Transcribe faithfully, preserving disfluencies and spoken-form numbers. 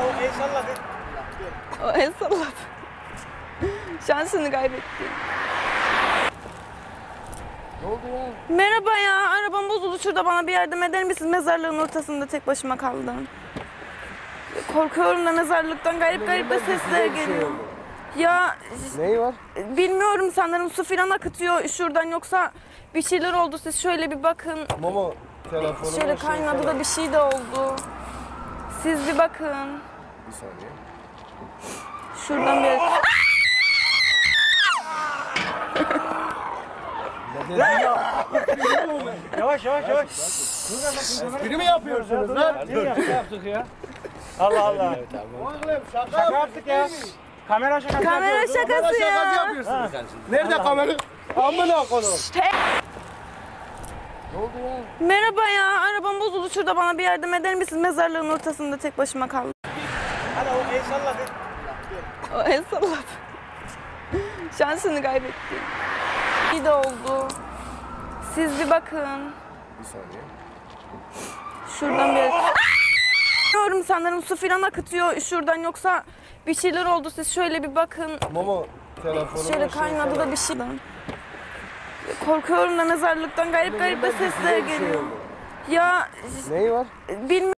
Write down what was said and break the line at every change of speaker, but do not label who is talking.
o el salladı.
O el salladı. Şansını kaybetti.
Ne oldu ya?
Merhaba ya, arabam bozuldu, şurada bana bir yardım eder misiniz? Mezarlığın ortasında tek başıma kaldım. Korkuyorum da mezarlıktan garip garip de sesler geliyor. Ya
Neyi var?
bilmiyorum, sanırım su filan akıtıyor şuradan, yoksa bir şeyler oldu, siz şöyle bir bakın.
Mama telefonu.
Şöyle kaynadı da bir şey de oldu. Siz bir bakın.
Bir saniye.
Şuradan bir...
Yavaş yavaş yavaş.
Espri mi yapıyorsunuz lan?
Ne yaptık, yaptık ya? Allah Allah.
Oğlum şaka,
Şaka yaptık ya. Kamera şakası
Kamera
yapıyoruz.
şakası
Şaka
ya.
yapıyorsunuz. Nerede kamera? Amına koyayım. Ne oldu ya?
Merhaba ya, arabam bozuldu, şurada bana bir yardım eder misiniz? Mezarlığın ortasında tek başıma kaldım.
Hadi o el salladı.
O el salladı. Şansını kaybetti. İyi de oldu. Siz bir bakın.
Bir saniye.
Şuradan bir... Bilmiyorum, sanırım su filan akıtıyor şuradan, yoksa bir şeyler oldu, siz şöyle bir bakın.
Mama telefonu.
Şöyle kaynadı da bir şey. Korkuyorum da mezarlıktan garip garip de sesler geliyor. Ya
Neyi var?
bilmiyorum.